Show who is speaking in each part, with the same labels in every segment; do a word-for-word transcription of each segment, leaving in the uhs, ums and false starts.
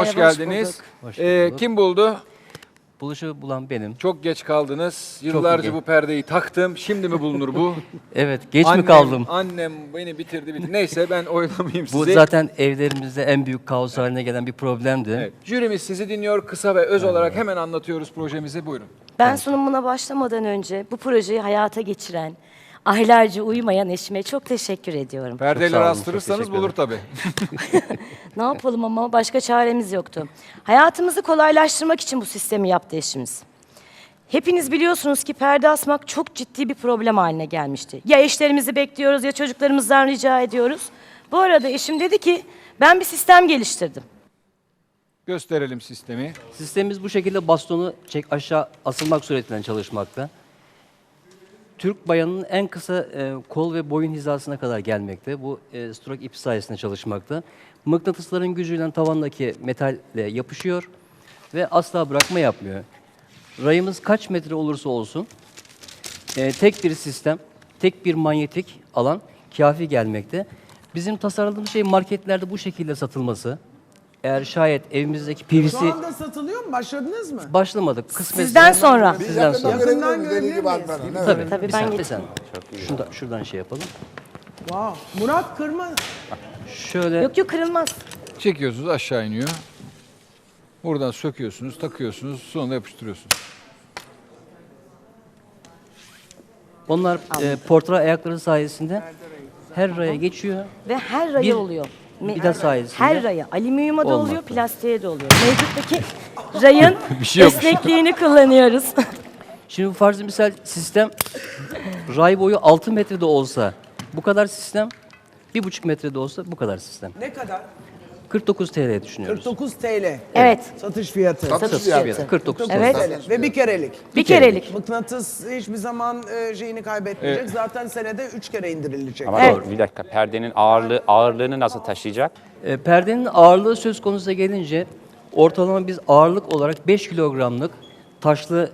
Speaker 1: hoş geldiniz.
Speaker 2: Hoş
Speaker 1: Ee,
Speaker 2: bulduk.
Speaker 1: kim buldu?
Speaker 2: Buluşu bulan benim.
Speaker 1: Çok geç kaldınız. Yıllarca
Speaker 2: geç.
Speaker 1: bu perdeyi taktım. Şimdi mi bulunur bu?
Speaker 2: Evet, geç
Speaker 1: annem,
Speaker 2: mi kaldım?
Speaker 1: Annem beni bitirdi. bitirdi. Neyse ben oylamayayım sizi.
Speaker 2: Bu zaten evlerimizde en büyük kaos haline gelen bir problemdi.
Speaker 1: Evet. Jürimiz sizi dinliyor. Kısa ve öz olarak hemen anlatıyoruz projemizi. Buyurun.
Speaker 3: Ben sunumuna başlamadan önce bu projeyi hayata geçiren, aylarca uyumayan eşime çok teşekkür ediyorum.
Speaker 1: Perdeleri
Speaker 2: sağ olun,
Speaker 1: astırırsanız
Speaker 2: çok teşekkür
Speaker 1: bulur tabii.
Speaker 3: Ne yapalım ama başka çaremiz yoktu. Hayatımızı kolaylaştırmak için bu sistemi yaptı eşimiz. Hepiniz biliyorsunuz ki perde asmak çok ciddi bir problem haline gelmişti. Ya eşlerimizi bekliyoruz ya çocuklarımızdan rica ediyoruz. Bu arada eşim dedi ki ben bir sistem geliştirdim.
Speaker 1: Gösterelim sistemi.
Speaker 2: Sistemimiz bu şekilde bastonu çek aşağı asılmak suretiyle çalışmakta. Türk bayanının en kısa e, kol ve boyun hizasına kadar gelmekte. Bu e, stroke ipi sayesinde çalışmakta. Mıknatısların gücüyle tavandaki metalle yapışıyor ve asla bırakma yapmıyor. Rayımız kaç metre olursa olsun e, tek bir sistem, tek bir manyetik alan kafi gelmekte. Bizim tasarladığımız şey marketlerde bu şekilde satılması. Eğer şayet evimizdeki P V C...
Speaker 4: Şu anda satılıyor mu? Başladınız mı?
Speaker 2: Başlamadık. Kısmet
Speaker 3: Sizden sonra.
Speaker 2: Sizden sonra.
Speaker 4: Yakından görebilir miyiz?
Speaker 2: Tabii,
Speaker 3: Tabii,
Speaker 2: bir
Speaker 3: ben
Speaker 2: sen, bir
Speaker 3: geçeyim.
Speaker 2: sen. Şuradan, şuradan şey yapalım.
Speaker 4: Wow. Murat Kırma.
Speaker 2: Şöyle
Speaker 3: Yok yok kırılmaz.
Speaker 1: Çekiyorsunuz aşağı iniyor. Buradan söküyorsunuz, takıyorsunuz, sonra yapıştırıyorsunuz.
Speaker 2: onlar e, portre ayakları sayesinde her raya geçiyor.
Speaker 3: Ve her raya
Speaker 2: Bir
Speaker 3: oluyor. Me-
Speaker 2: vida sayesinde
Speaker 3: Her raya. Alüminyuma da oluyor,
Speaker 2: olmakta.
Speaker 3: plastiğe de oluyor. Mevcuttaki rayın
Speaker 1: Bir şey yokmuş.
Speaker 3: esnekliğini kullanıyoruz.
Speaker 2: Şimdi farz-ı misal sistem ray boyu altı metrede olsa bu kadar sistem, bir buçuk metrede olsa bu kadar sistem.
Speaker 4: Ne kadar?
Speaker 2: kırk dokuz T L düşünüyoruz.
Speaker 4: kırk dokuz T L.
Speaker 3: Evet.
Speaker 4: Satış fiyatı.
Speaker 3: Satış
Speaker 2: fiyatı.
Speaker 3: fiyatı.
Speaker 2: kırk dokuz T L.
Speaker 3: Evet.
Speaker 4: T L. Ve bir kerelik.
Speaker 3: Bir kerelik.
Speaker 4: Mıknatıs hiçbir zaman e, şeyini kaybetmeyecek. Zaten senede üç kere indirilecek.
Speaker 5: Ama
Speaker 3: Evet.
Speaker 5: doğru, bir dakika, perdenin ağırlığı ağırlığını nasıl taşıyacak?
Speaker 2: E, perdenin ağırlığı söz konusu gelince ortalama biz ağırlık olarak beş kilogramlık taşlı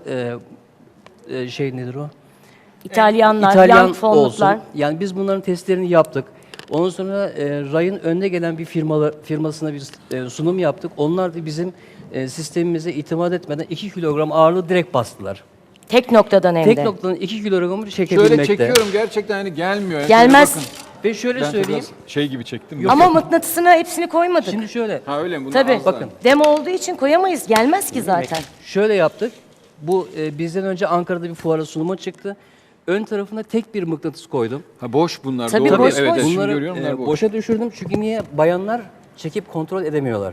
Speaker 2: e, e, şey nedir o?
Speaker 3: İtalyanlar,
Speaker 2: İtalyan
Speaker 3: yan fonluklar.
Speaker 2: olsun. Yani biz bunların testlerini yaptık. Ondan sonra e, Ray'ın önde gelen bir firmalı, firmasına bir e, sunum yaptık. Onlar da bizim e, sistemimize itimat etmeden iki kilogram ağırlığı direkt bastılar.
Speaker 3: Tek noktadan hem
Speaker 2: Tek
Speaker 3: de.
Speaker 2: noktadan iki kilogramı çekebilmekte.
Speaker 1: Şöyle çekiyorum gerçekten hani gelmiyor. Yani
Speaker 3: Gelmez.
Speaker 1: şöyle bakın.
Speaker 2: Ve şöyle
Speaker 1: Ben
Speaker 2: söyleyeyim.
Speaker 1: biraz şey gibi çektim.
Speaker 3: Ama mıknatısına hepsini koymadık.
Speaker 2: Şimdi şöyle,
Speaker 1: Ha öyle mi? Bunlar
Speaker 3: Tabii.
Speaker 1: az
Speaker 2: bakın.
Speaker 1: daha.
Speaker 3: Demo olduğu için koyamayız. Gelmez ki zaten.
Speaker 2: şöyle yaptık. Bu e, bizden önce Ankara'da bir fuara sunuma çıktı. Ön tarafına tek bir mıknatıs koydum.
Speaker 1: Ha boş bunlar.
Speaker 3: Tabii,
Speaker 1: doğru.
Speaker 3: boş,
Speaker 1: evet,
Speaker 3: boş.
Speaker 1: evet, şimdi
Speaker 2: Bunları
Speaker 1: görüyorum bunlar
Speaker 2: e,
Speaker 1: boş.
Speaker 2: boşa düşürdüm çünkü niye? Bayanlar çekip kontrol edemiyorlar.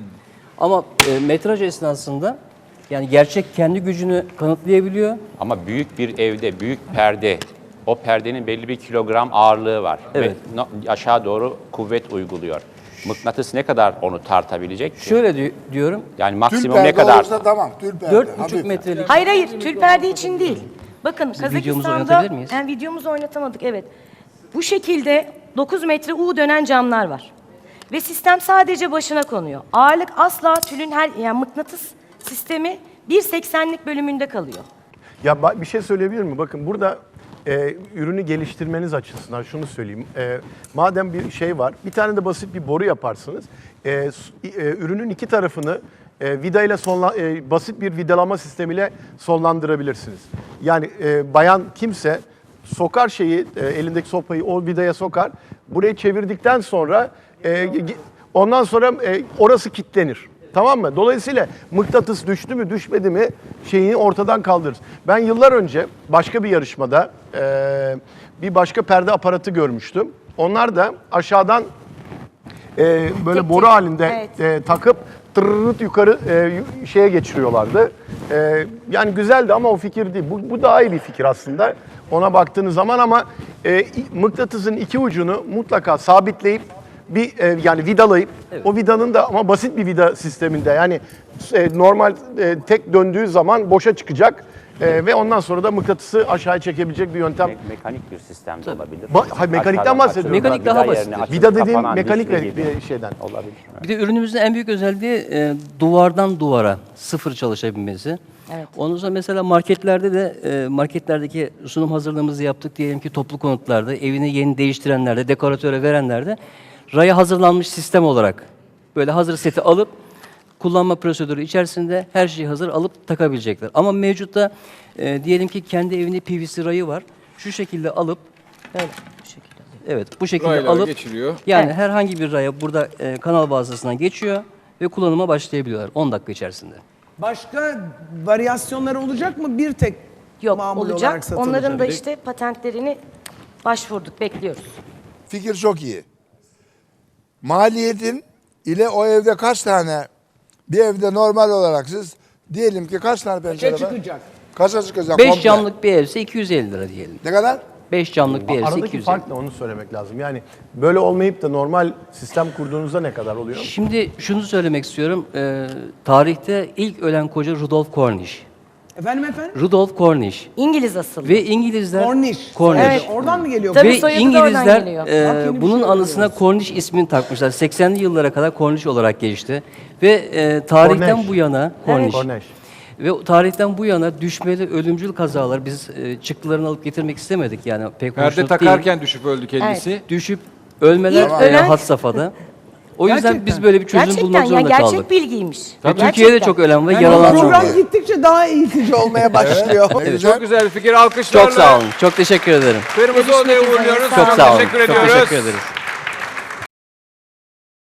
Speaker 2: Ama e, metraj esnasında yani gerçek kendi gücünü kanıtlayabiliyor.
Speaker 5: Ama büyük bir evde büyük perde, o perdenin belli bir kilogram ağırlığı var.
Speaker 2: Evet.
Speaker 5: Ve no- aşağı doğru kuvvet uyguluyor. Mıknatıs ne kadar onu tartabilecek ki?
Speaker 2: Şöyle di- diyorum,
Speaker 5: Yani
Speaker 6: Tül
Speaker 5: maksimum
Speaker 6: perde
Speaker 5: ne kadar?
Speaker 6: olursa tamam, tül perde.
Speaker 2: dört buçuk
Speaker 6: hafif.
Speaker 2: metrelik
Speaker 3: Hayır hayır. Tül perde için değil. Bakın
Speaker 2: videomuzu
Speaker 3: Kazakistan'da
Speaker 2: oynatabilir miyiz?
Speaker 3: yani videomuzu oynatamadık evet. Bu şekilde dokuz metre U dönen camlar var. Ve sistem sadece başına konuyor. Ağırlık asla tülün her yani mıknatıs sistemi bir seksenlik bölümünde kalıyor.
Speaker 7: Ya ba- bir şey söyleyebilir miyim? Bakın burada e, ürünü geliştirmeniz açısından şunu söyleyeyim. E, madem bir şey var, bir tane de basit bir boru yaparsınız. E, s- e, ürünün iki tarafını e, vida ile sonla, e, basit bir vidalama sistemiyle sonlandırabilirsiniz. Yani e, bayan kimse sokar şeyi, e, elindeki sopayı o vidaya sokar. Burayı çevirdikten sonra e, ge- ondan sonra e, orası kilitlenir. Tamam mı? Dolayısıyla mıknatıs düştü mü düşmedi mi şeyini ortadan kaldırırız. Ben yıllar önce başka bir yarışmada e, bir başka perde aparatı görmüştüm. Onlar da aşağıdan e, böyle
Speaker 3: Tek
Speaker 7: boru
Speaker 3: tek,
Speaker 7: halinde
Speaker 3: evet.
Speaker 7: e, takıp tırırırt yukarı e, yu- şeye geçiriyorlardı. E, yani güzeldi ama o fikir değil. Bu, bu daha iyi bir fikir aslında ona baktığınız zaman ama e, i- mıknatısın iki ucunu mutlaka sabitleyip bir e, yani vidalayıp o vidanın da ama basit bir vida sisteminde yani e, normal e, tek döndüğü zaman boşa çıkacak e, ve ondan sonra da mıknatısı aşağıya çekebilecek bir yöntem.
Speaker 5: Me- mekanik bir sistem de olabilir.
Speaker 7: Ba- hayır, mekanikten
Speaker 5: Aşağıdan
Speaker 7: bahsediyorum.
Speaker 5: açılıp
Speaker 2: Mekanik
Speaker 5: vida
Speaker 2: daha
Speaker 5: yerine
Speaker 2: basit.
Speaker 5: açılıp
Speaker 7: Vida dediğim
Speaker 5: kapanan
Speaker 7: mekanik
Speaker 5: dişli
Speaker 7: bir
Speaker 5: gibi.
Speaker 7: şeyden.
Speaker 5: Olabilir.
Speaker 2: bir de ürünümüzün en büyük özelliği e, duvardan duvara sıfır çalışabilmesi.
Speaker 3: Evet.
Speaker 2: Ondan sonra mesela marketlerde de e, marketlerdeki sunum hazırlığımızı yaptık diyelim ki toplu konutlarda, evini yeni değiştirenlerde, dekoratöre verenlerde raya hazırlanmış sistem olarak böyle hazır seti alıp kullanma prosedürü içerisinde her şeyi hazır alıp takabilecekler. Ama mevcutta e, diyelim ki kendi evinde P V C rayı var. Şu şekilde alıp
Speaker 3: Böyle bu şekilde.
Speaker 2: evet bu şekilde
Speaker 1: Raylar
Speaker 2: alıp
Speaker 1: geçiriyor.
Speaker 2: yani
Speaker 3: Evet.
Speaker 2: herhangi bir raya burada e, kanal vasıtasından geçiyor ve kullanıma başlayabiliyorlar on dakika içerisinde.
Speaker 4: Başka varyasyonları olacak mı? Bir tek
Speaker 3: Yok
Speaker 4: mamul
Speaker 3: olacak.
Speaker 4: olarak satılacak.
Speaker 3: Onların da işte patentlerini başvurduk, bekliyoruz.
Speaker 6: Fikir çok iyi. Maliyetin ile o evde kaç tane, bir evde normal olarak siz diyelim ki kaç tane pencere var?
Speaker 4: çıkacak?
Speaker 6: Kaça çıkacak?
Speaker 2: beş
Speaker 6: komple?
Speaker 2: camlık bir evse iki yüz elli lira diyelim.
Speaker 6: Ne kadar?
Speaker 2: beş camlık bir evse iki
Speaker 7: Aradaki
Speaker 2: yüz elli.
Speaker 7: fark ne onu söylemek lazım. Yani böyle olmayıp da normal sistem kurduğunuzda ne kadar oluyor?
Speaker 2: Şimdi şunu söylemek istiyorum. Ee, tarihte ilk ölen koca Rudolf Cornish.
Speaker 4: Efendim efendim?
Speaker 2: Rudolf Cornish.
Speaker 3: İngiliz asıllı.
Speaker 2: Ve İngilizler...
Speaker 4: Cornish.
Speaker 2: Cornish.
Speaker 3: Evet.
Speaker 4: Oradan mı geliyor?
Speaker 3: Tabii
Speaker 2: Ve
Speaker 3: soyadı da oradan
Speaker 2: İngilizler
Speaker 3: geliyor.
Speaker 2: e,
Speaker 4: Bak yeni bir
Speaker 2: bunun
Speaker 4: şey
Speaker 2: anısına
Speaker 4: öğreniyoruz.
Speaker 2: Cornish ismini takmışlar. seksenli yıllara kadar Cornish olarak geçti. Ve e, tarihten
Speaker 7: Cornish.
Speaker 2: bu yana Cornish.
Speaker 7: Cornish.
Speaker 2: Ve o tarihten bu yana düşmeli ölümcül kazalar biz e, çıktılarını alıp getirmek istemedik yani pek
Speaker 1: Perde
Speaker 2: hoşnut
Speaker 1: takarken
Speaker 2: değil.
Speaker 1: düşüp öldü kendisi.
Speaker 2: Düşüp ölmeler
Speaker 3: İlk
Speaker 2: e,
Speaker 3: ölen-
Speaker 2: had safhada. O yüzden
Speaker 4: Gerçekten.
Speaker 2: biz böyle bir çözüm
Speaker 3: Gerçekten
Speaker 2: bulmak
Speaker 3: ya
Speaker 2: zorunda
Speaker 3: gerçek
Speaker 2: kaldık.
Speaker 3: bilgiymiş.
Speaker 2: Ve
Speaker 3: Gerçekten.
Speaker 2: Türkiye'de çok ölen ve
Speaker 4: Yani
Speaker 2: yaralanan
Speaker 4: program
Speaker 2: var.
Speaker 4: gittikçe daha eğitici olmaya başlıyor.
Speaker 6: Ne güzel.
Speaker 1: Çok güzel bir fikir. Alkışlarla.
Speaker 2: Çok sağ olun. Çok teşekkür ederim.
Speaker 1: Kırmızı Oda'yı uğurluyoruz.
Speaker 2: Çok sağ olun.
Speaker 1: Teşekkür
Speaker 2: Çok
Speaker 1: ediyoruz.
Speaker 2: teşekkür ederiz.